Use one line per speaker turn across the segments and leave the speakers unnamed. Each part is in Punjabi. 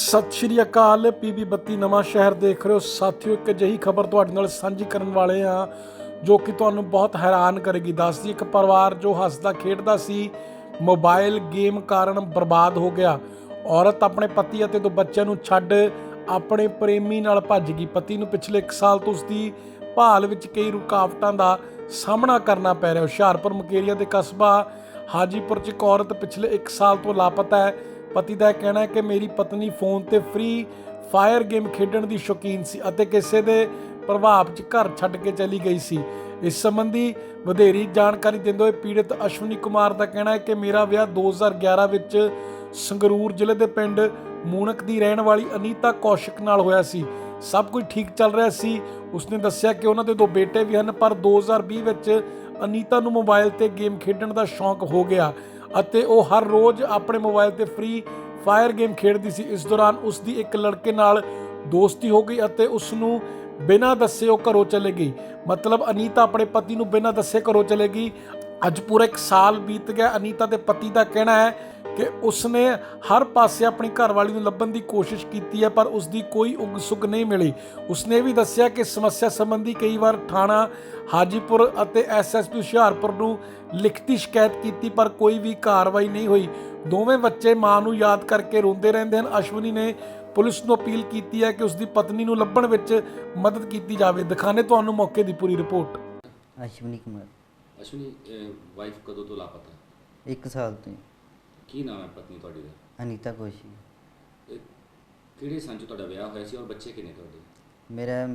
ਸਤਿ ਸ਼੍ਰੀ ਅਕਾਲ। ਪੀਬੀ 32 ਨਵਾਂ ਸ਼ਹਿਰ ਦੇਖ ਰਹੇ ਹੋ ਸਾਥੀਓ। ਇੱਕ ਅਜਿਹੀ ਖਬਰ ਤੁਹਾਡੇ ਨਾਲ ਸਾਂਝੀ ਕਰਨ ਵਾਲੇ ਹਾਂ ਜੋ ਕਿ ਤੁਹਾਨੂੰ ਬਹੁਤ ਹੈਰਾਨ ਕਰੇਗੀ। ਦੱਸਦੀ ਇੱਕ ਪਰਿਵਾਰ ਜੋ ਹੱਸਦਾ ਖੇਡਦਾ ਸੀ ਮੋਬਾਈਲ ਗੇਮ ਕਾਰਨ ਬਰਬਾਦ ਹੋ ਗਿਆ। ਔਰਤ ਆਪਣੇ ਪਤੀ ਅਤੇ 2 ਬੱਚਿਆਂ ਨੂੰ ਛੱਡ ਆਪਣੇ ਪ੍ਰੇਮੀ ਨਾਲ ਭੱਜ ਗਈ। ਪਤੀ ਨੂੰ ਪਿਛਲੇ 1 ਸਾਲ ਤੋਂ ਉਸਦੀ ਭਾਲ ਵਿੱਚ ਕਈ ਰੁਕਾਵਟਾਂ ਦਾ ਸਾਹਮਣਾ ਕਰਨਾ ਪੈ ਰਿਹਾ। ਹੁਸ਼ਿਆਰਪੁਰ ਮੁਕੇਰੀਆ ਦੇ ਕਸਬਾ ਹਾਜੀਪੁਰ 'ਚ ਇੱਕ ਔਰਤ ਪਿਛਲੇ 1 ਸਾਲ ਤੋਂ ਲਾਪਤਾ ਹੈ। ਪਤੀ ਦਾ ਕਹਿਣਾ ਹੈ ਕਿ ਮੇਰੀ ਪਤਨੀ ਫੋਨ ਤੇ ਫ੍ਰੀ ਫਾਇਰ ਗੇਮ ਖੇਡਣ ਦੀ ਸ਼ੌਕੀਨ ਸੀ ਅਤੇ ਕਿਸੇ ਦੇ ਪ੍ਰਭਾਵ 'ਚ ਘਰ ਛੱਡ ਕੇ ਚਲੀ ਗਈ ਸੀ। ਇਸ ਸੰਬੰਧੀ ਵਧੇਰੀ ਜਾਣਕਾਰੀ ਦਿੰਦੇ ਹੋਏ ਪੀੜਤ ਅਸ਼ਵਨੀ ਕੁਮਾਰ ਦਾ ਕਹਿਣਾ ਹੈ ਕਿ ਮੇਰਾ ਵਿਆਹ 2011 ਵਿੱਚ ਸੰਗਰੂਰ ਜ਼ਿਲ੍ਹੇ ਦੇ ਪਿੰਡ ਮੂਣਕ ਦੀ ਰਹਿਣ ਵਾਲੀ ਅਨੀਤਾ ਕੌਸ਼ਿਕ ਨਾਲ ਹੋਇਆ ਸੀ। ਸਭ ਕੁਝ ਠੀਕ ਚੱਲ ਰਿਹਾ ਸੀ। ਉਸਨੇ ਦੱਸਿਆ ਕਿ ਉਹਨਾਂ ਦੇ 2 ਬੇਟੇ ਵੀ ਹਨ, ਪਰ 2020 ਵਿੱਚ ਅਨੀਤਾ ਨੂੰ ਮੋਬਾਈਲ ਤੇ ਗੇਮ ਖੇਡਣ ਦਾ ਸ਼ੌਂਕ ਹੋ ਗਿਆ ਅਤੇ ਉਹ ਹਰ ਰੋਜ਼ ਆਪਣੇ ਮੋਬਾਈਲ ਤੇ ਫ੍ਰੀ ਫਾਇਰ ਗੇਮ ਖੇਡਦੀ ਸੀ। ਇਸ ਦੌਰਾਨ ਉਸ ਦੀ ਇੱਕ ਲੜਕੇ ਨਾਲ ਦੋਸਤੀ ਹੋ ਗਈ ਅਤੇ ਉਸ ਨੂੰ ਬਿਨਾਂ ਦੱਸੇ ਉਹ ਘਰੋਂ ਚਲੇ ਗਈ। ਮਤਲਬ ਅਨੀਤਾ ਆਪਣੇ ਪਤੀ ਨੂੰ ਬਿਨਾਂ ਦੱਸੇ ਘਰੋਂ ਚਲੇ ਗਈ। ਅੱਜ ਪੂਰਾ 1 ਸਾਲ ਬੀਤ ਗਿਆ। ਅਨੀਤਾ ਦੇ ਪਤੀ ਦਾ ਕਹਿਣਾ ਹੈ ਕਿ ਉਸਨੇ ਹਰ ਪਾਸੇ ਆਪਣੀ ਘਰਵਾਲੀ ਨੂੰ ਲੱਭਣ ਦੀ ਕੋਸ਼ਿਸ਼ ਕੀਤੀ ਹੈ, ਪਰ ਉਸਦੀ ਕੋਈ ਉਗ ਸੁਗ ਨਹੀਂ ਮਿਲੀ। ਉਸਨੇ ਵੀ ਦੱਸਿਆ ਕਿ ਸਮੱਸਿਆ ਸੰਬੰਧੀ ਕਈ ਵਾਰ ਥਾਣਾ ਹਾਜੀਪੁਰ ਅਤੇ ਐਸਐਸਪੀ ਹੁਸ਼ਿਆਰਪੁਰ ਨੂੰ ਲਿਖਤੀ ਸ਼ਿਕਾਇਤ ਕੀਤੀ, ਪਰ ਕੋਈ ਵੀ ਕਾਰਵਾਈ ਨਹੀਂ ਹੋਈ। ਦੋਵੇਂ ਬੱਚੇ ਮਾਂ ਨੂੰ ਯਾਦ ਕਰਕੇ ਰੋਂਦੇ ਰਹਿੰਦੇ ਹਨ। ਅਸ਼ਵਨੀ ਨੇ ਪੁਲਿਸ ਨੂੰ ਅਪੀਲ ਕੀਤੀ ਹੈ ਕਿ ਉਸਦੀ ਪਤਨੀ ਨੂੰ ਲੱਭਣ ਵਿੱਚ ਮਦਦ ਕੀਤੀ ਜਾਵੇ। ਦਿਖਾਣੇ ਤੁਹਾਨੂੰ ਮੌਕੇ ਦੀ ਪੂਰੀ ਰਿਪੋਰਟ।
ਅਸ਼ਵਨੀ ਕੁਮਾਰ।
ਅਸ਼ਵਨੀ, ਵਾਈਫ ਕਦੋਂ ਤੋਂ ਲਾਪਤਾ?
1 ਸਾਲ ਤੋਂ।
ਕੀ ਨਾਮ ਹੈ ਪਤਨੀ ਤੁਹਾਡੀ ਦਾ?
ਅਨੀਤਾ ਕੌਸ਼ਿਕ।
ਇਹ ਕਿਹੜੇ ਸੰਨ 'ਚ ਤੁਹਾਡਾ ਵਿਆਹ ਹੋਇਆ ਸੀ ਔਰ ਬੱਚੇ ਕਿੰਨੇ ਤੁਹਾਡੇ?
ਮੇਰਾ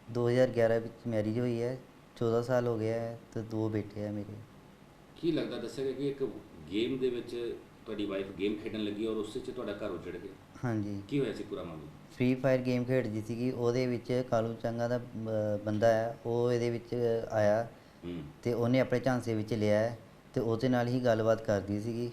2011 ਵਿੱਚ ਮੈਰਿਜ ਹੋਈ ਹੈ, 14 ਸਾਲ ਹੋ ਗਿਆ ਹੈ ਤੇ 2 ਬੇਟੇ ਹੈ ਮੇਰੇ।
ਕੀ ਲੱਗਦਾ, ਦੱਸਿਆ ਗਿਆ ਕਿ ਇੱਕ ਗੇਮ ਦੇ ਵਿੱਚ ਤੁਹਾਡੀ ਵਾਈਫ ਗੇਮ ਖੇਡਣ ਲੱਗੀ ਔਰ ਉਸ 'ਚ ਤੁਹਾਡਾ ਘਰ ਉਜੜ ਗਿਆ।
ਹਾਂਜੀ।
ਕੀ ਹੋਇਆ ਸੀ ਪੂਰਾ ਮਾਮਲਾ?
ਫ੍ਰੀ ਫਾਇਰ ਗੇਮ ਖੇਡਦੀ ਸੀਗੀ। ਉਹਦੇ ਵਿੱਚ ਕਾਲੂ ਚੰਗਾ ਦਾ ਬੰਦਾ ਹੈ, ਉਹ ਇਹਦੇ ਵਿੱਚ ਆਇਆ ਤੇ ਉਹਨੇ ਆਪਣੇ ਝਾਂਸੇ ਵਿੱਚ ਲਿਆ ਹੈ ਤੇ ਉਹਦੇ ਨਾਲ ਹੀ ਗੱਲਬਾਤ ਕਰਦੀ ਸੀਗੀ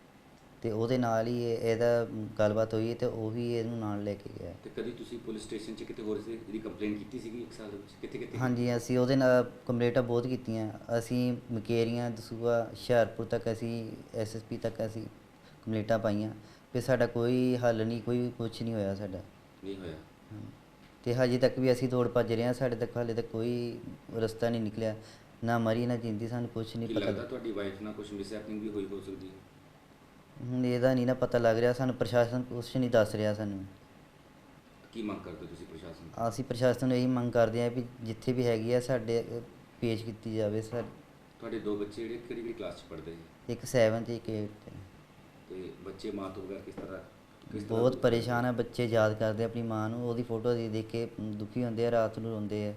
ਤੇ ਉਹਦੇ ਨਾਲ ਹੀ ਇਹਦਾ ਗੱਲਬਾਤ ਹੋਈ ਤੇ ਉਹ ਵੀ ਇਹਨੂੰ ਨਾਲ ਲੈ ਕੇ ਗਿਆ।
ਤੇ ਕਦੀ ਤੁਸੀਂ ਪੁਲਿਸ ਸਟੇਸ਼ਨ 'ਚ ਕਿਤੇ ਹੋਰ ਸੀ ਇਹਦੀ ਕੰਪਲੇਂਟ ਕੀਤੀ ਸੀਗੀ 1 ਸਾਲ ਦੇ ਵਿੱਚ? ਕਿੱਥੇ ਕਿੱਥੇ?
ਹਾਂਜੀ, ਅਸੀਂ ਉਹਦੇ ਨਾਲ ਕੰਪਲੇਂਟਾਂ ਬਹੁਤ ਕੀਤੀਆਂ। ਅਸੀਂ ਮੁਕੇਰੀਆਂ, ਦਸੂਹਾ, ਹੁਸ਼ਿਆਰਪੁਰ ਤੱਕ, ਅਸੀਂ ਐਸਐਸਪੀ ਤੱਕ ਅਸੀਂ ਕੰਪਲੇਂਟਾਂ ਪਾਈਆਂ, ਫਿਰ ਸਾਡਾ ਕੋਈ ਹੱਲ ਨਹੀਂ, ਕੋਈ ਕੁਛ ਨਹੀਂ ਹੋਇਆ ਸਾਡਾ।
ਨਹੀਂ ਹੋਇਆ?
ਤੇ ਹਜੇ ਤੱਕ ਵੀ ਅਸੀਂ ਦੌੜ ਭੱਜ ਰਹੇ ਹਾਂ, ਸਾਡੇ ਤੱਕ ਹਾਲੇ ਤੱਕ ਕੋਈ ਰਸਤਾ ਨਹੀਂ ਨਿਕਲਿਆ, ਨਾ ਮਰੀ ਨਾ ਜਿੰਦੀ, ਸਾਨੂੰ ਕੁਛ ਨਹੀਂ
ਕੀ
ਪਤਾ।
ਲੱਗਦਾ ਤੁਹਾਡੀ ਵਾਈਫ ਨਾਲ ਕੁਝ ਮਿਸਹੈਪਨਿੰਗ ਵੀ ਹੋਈ ਹੋ ਸਕਦੀ ਹੈ?
ਹੁਣ ਇਹਦਾ ਨਹੀਂ ਨਾ ਪਤਾ ਲੱਗ ਰਿਹਾ ਸਾਨੂੰ, ਪ੍ਰਸ਼ਾਸਨ ਕੁਛ ਨਹੀਂ ਦੱਸ ਰਿਹਾ ਸਾਨੂੰ।
ਕੀ ਮੰਗ ਕਰਦੇ ਹੋ ਤੁਸੀਂ ਪ੍ਰਸ਼ਾਸਨ ਤੋਂ?
ਅਸੀਂ ਪ੍ਰਸ਼ਾਸਨ ਨੂੰ ਇਹੀ ਮੰਗ ਕਰਦੇ ਹਾਂ ਵੀ ਜਿੱਥੇ ਵੀ ਹੈਗੀ ਆ ਸਾਡੇ ਪੇਸ਼ ਕੀਤੀ ਜਾਵੇ।
ਤੁਹਾਡੇ 2 ਬੱਚੇ ਜਿਹੜੇ ਕਿਹੜੀ ਕਿਹੜੀ ਕਲਾਸ 'ਚ ਪੜ੍ਹਦੇ ਜੀ?
ਇੱਕ 7 ਤੇ ਇੱਕ 8 ਤੇ।
ਤੇ ਬੱਚੇ ਮਾਂ ਤੋਂ ਬਗੈਰ ਕਿਸ ਤਰ੍ਹਾਂ
ਬਹੁਤ ਪਰੇਸ਼ਾਨ ਆ ਬੱਚੇ, ਯਾਦ ਕਰਦੇ ਆਪਣੀ ਮਾਂ ਨੂੰ, ਉਹਦੀ ਫੋਟੋ ਦੇਖ ਕੇ ਦੁਖੀ ਹੁੰਦੇ ਆ, ਰਾਤ ਨੂੰ ਰੋਂਦੇ ਆ।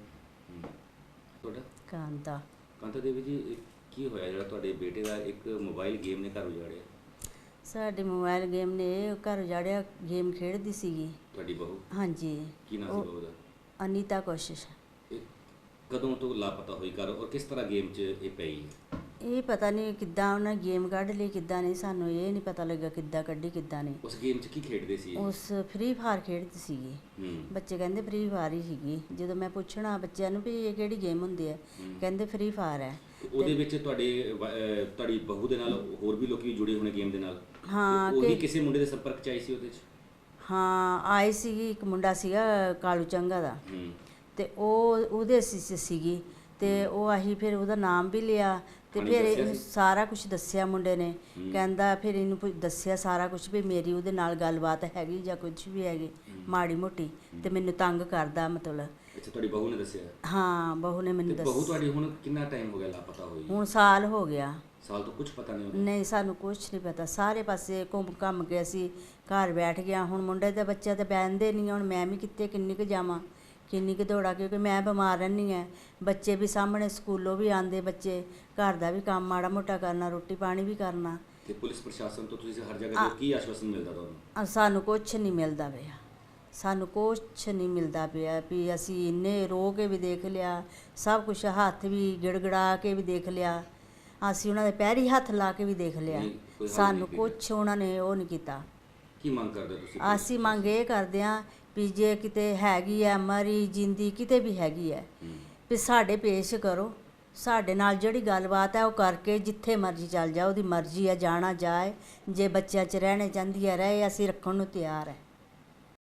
ਤੁਹਾਡਾ?
ਕਾਂਤਾ।
ਕਾਂਤਾ ਦੇਵੀ ਜੀ, ਇਹ ਕੀ ਹੋਇਆ ਜਿਹੜਾ ਤੁਹਾਡੇ ਬੇਟੇ ਦਾ ਇੱਕ ਮੋਬਾਈਲ ਗੇਮ ਨੇ ਘਰ ਉਜਾੜਿਆ?
ਸਾਡੇ ਮੋਬਾਈਲ ਗੇਮ ਨੇ ਘਰ ਉਜਾੜਿਆ। ਗੇਮ ਖੇਡਦੀ ਸੀਗੀ
ਤੁਹਾਡੀ ਬਹੂ?
ਹਾਂਜੀ।
ਕੀ ਨਾਮ ਸੀ ਬਹੂ ਦਾ?
ਅਨੀਤਾ ਕੋਸ਼ਿਸ਼।
ਇਹ ਕਦੋਂ ਤੋਂ ਲਾਪਤਾ ਹੋਈ ਘਰ ਔਰ ਕਿਸ ਤਰ੍ਹਾਂ ਗੇਮ 'ਚ ਇਹ ਪਈ ਹੈ?
ਇਹ ਪਤਾ ਨਹੀਂ ਕਿੱਦਾਂ ਉਹਨਾਂ ਗੇਮ ਕੱਢ ਲਈ, ਕਿੱਦਾਂ ਨਹੀਂ, ਸਾਨੂੰ ਇਹ ਨਹੀਂ ਪਤਾ ਲੱਗਾ ਕਿੱਦਾਂ ਕੱਢੀ ਕਿੱਦਾਂ ਨਹੀਂ।
ਉਸ ਗੇਮ 'ਚ ਕੀ ਖੇਡਦੇ ਸੀ?
ਉਸ ਫ੍ਰੀ ਫਾਇਰ ਖੇਡਦੀ ਸੀਗੀ। ਬੱਚੇ ਕਹਿੰਦੇ ਫ੍ਰੀ ਫਾਇਰ ਹੀ ਸੀਗੀ। ਜਦੋਂ ਮੈਂ ਪੁੱਛਣਾ ਬੱਚਿਆਂ ਨੂੰ ਵੀ ਇਹ ਕਿਹੜੀ ਗੇਮ ਹੁੰਦੀ ਹੈ, ਕਹਿੰਦੇ ਫ੍ਰੀ ਫਾਇਰ ਹੈ।
ਉਹਦੇ ਵਿੱਚ ਤੁਹਾਡੀ ਬਹੂ ਦੇ ਨਾਲ ਹੋਰ ਵੀ ਲੋਕੀ ਜੁੜੇ ਹੋਣੇ ਗੇਮ ਦੇ ਨਾਲ?
ਹਾਂ।
ਉਹ ਵੀ ਕਿਸੇ ਮੁੰਡੇ ਦੇ ਸੰਪਰਕ 'ਚ ਆਈ ਸੀ ਉਹਦੇ 'ਚ?
ਹਾਂ, ਆਈ ਸੀਗੀ। ਇੱਕ ਮੁੰਡਾ ਸੀਗਾ ਕਾਲੂ ਚੰਗਾ ਦਾ ਤੇ ਉਹਦੇ ਸੀਗੀ ਤੇ ਉਹ ਅਸੀਂ ਫਿਰ ਉਹਦਾ ਨਾਮ ਵੀ ਲਿਆ ਤੇ ਫਿਰ ਇਹਨੂੰ ਸਾਰਾ ਕੁਝ ਦੱਸਿਆ ਮੁੰਡੇ ਨੇ। ਕਹਿੰਦਾ ਫਿਰ ਇਹਨੂੰ ਦੱਸਿਆ ਸਾਰਾ ਕੁਝ ਵੀ ਮੇਰੀ ਉਹਦੇ ਨਾਲ ਗੱਲਬਾਤ ਹੈਗੀ ਜਾਂ ਕੁਝ ਵੀ ਹੈਗੀ ਮਾੜੀ ਮੋਟੀ ਤੇ ਮੈਨੂੰ ਤੰਗ ਕਰਦਾ ਮਤਲਬ।
ਅੱਛਾ, ਤੁਹਾਡੀ ਬਹੂ ਨੇ ਦੱਸਿਆ?
ਹਾਂ, ਬਹੂ ਨੇ ਮੈਨੂੰ ਦੱਸਿਆ।
ਬਹੂ ਤੁਹਾਡੀ ਹੁਣ ਕਿੰਨਾ ਟਾਈਮ ਹੋ ਗਿਆ ਲਾਪਤਾ ਹੋਈ?
ਹੁਣ ਸਾਲ ਹੋ ਗਿਆ।
ਸਾਲ ਤੋਂ ਕੁਝ ਪਤਾ ਨਹੀਂ?
ਨਹੀਂ, ਸਾਨੂੰ ਕੁਝ ਨਹੀਂ ਪਤਾ। ਸਾਰੇ ਪਾਸੇ ਘੁੰਮ ਕੇ ਅਸੀਂ ਘਰ ਬੈਠ ਗਿਆ। ਹੁਣ ਮੁੰਡੇ ਦੇ ਬੱਚੇ ਤਾਂ ਬਹਿੰਦੇ ਨਹੀਂ। ਹੁਣ ਮੈਂ ਵੀ ਕਿੱਥੇ ਕਿੰਨੀ ਕੁ ਜਾਵਾਂ, ਕਿੰਨੀ ਕੁ ਦੌੜਾਂ, ਕਿਉਂਕਿ ਮੈਂ ਬਿਮਾਰ ਰਹਿੰਦੀ ਹਾਂ। ਬੱਚੇ ਵੀ ਸਾਹਮਣੇ ਸਕੂਲੋਂ ਵੀ ਆਉਂਦੇ, ਬੱਚੇ ਘਰ ਦਾ ਵੀ ਕੰਮ ਮਾੜਾ ਮੋਟਾ ਕਰਨਾ, ਰੋਟੀ ਪਾਣੀ ਵੀ ਕਰਨਾ।
ਤੇ ਪੁਲਿਸ ਪ੍ਰਸ਼ਾਸਨ ਤੋਂ ਤੁਸੀਂ ਹਰ ਜਗ੍ਹਾ ਤੇ ਕੀ ਆਸ਼ਵਾਸਨ ਮਿਲਦਾ ਤੁਹਾਨੂੰ?
ਸਾਨੂੰ ਕੁਛ ਨਹੀਂ ਮਿਲਦਾ ਪਿਆ। ਸਾਨੂੰ ਕੁਛ ਨਹੀਂ ਮਿਲਦਾ ਪਿਆ ਵੀ ਅਸੀਂ ਇੰਨੇ ਰੋ ਕੇ ਵੀ ਦੇਖ ਲਿਆ, ਸਭ ਕੁਛ ਹੱਥ ਵੀ ਗਿੜਗੜਾ ਕੇ ਵੀ ਦੇਖ ਲਿਆ, ਅਸੀਂ ਉਹਨਾਂ ਦੇ ਪੈਰੀ ਹੱਥ ਲਾ ਕੇ ਵੀ ਦੇਖ ਲਿਆ, ਸਾਨੂੰ ਕੁਛ ਉਹਨਾਂ ਨੇ ਉਹ ਨਹੀਂ ਕੀਤਾ।
ਕੀ ਮੰਗ ਕਰਦੇ ਤੁਸੀਂ?
ਅਸੀਂ ਮੰਗ ਇਹ ਕਰਦੇ ਹਾਂ ਵੀ ਜੇ ਕਿਤੇ ਹੈਗੀ ਹੈ ਮਰੀ ਜਿੰਦੀ ਕਿਤੇ ਵੀ ਹੈਗੀ ਹੈ ਵੀ ਸਾਡੇ ਪੇਸ਼ ਕਰੋ। ਸਾਡੇ ਨਾਲ ਜਿਹੜੀ ਗੱਲਬਾਤ ਹੈ ਉਹ ਕਰਕੇ ਜਿੱਥੇ ਮਰਜ਼ੀ ਚੱਲ ਜਾ, ਉਹਦੀ ਮਰਜ਼ੀ ਹੈ, ਜਾਣਾ ਜਾਏ। ਜੇ ਬੱਚਿਆਂ 'ਚ ਰਹਿਣੇ ਚਾਹੁੰਦੀ ਹੈ ਰਹੇ, ਅਸੀਂ ਰੱਖਣ ਨੂੰ ਤਿਆਰ ਹੈ।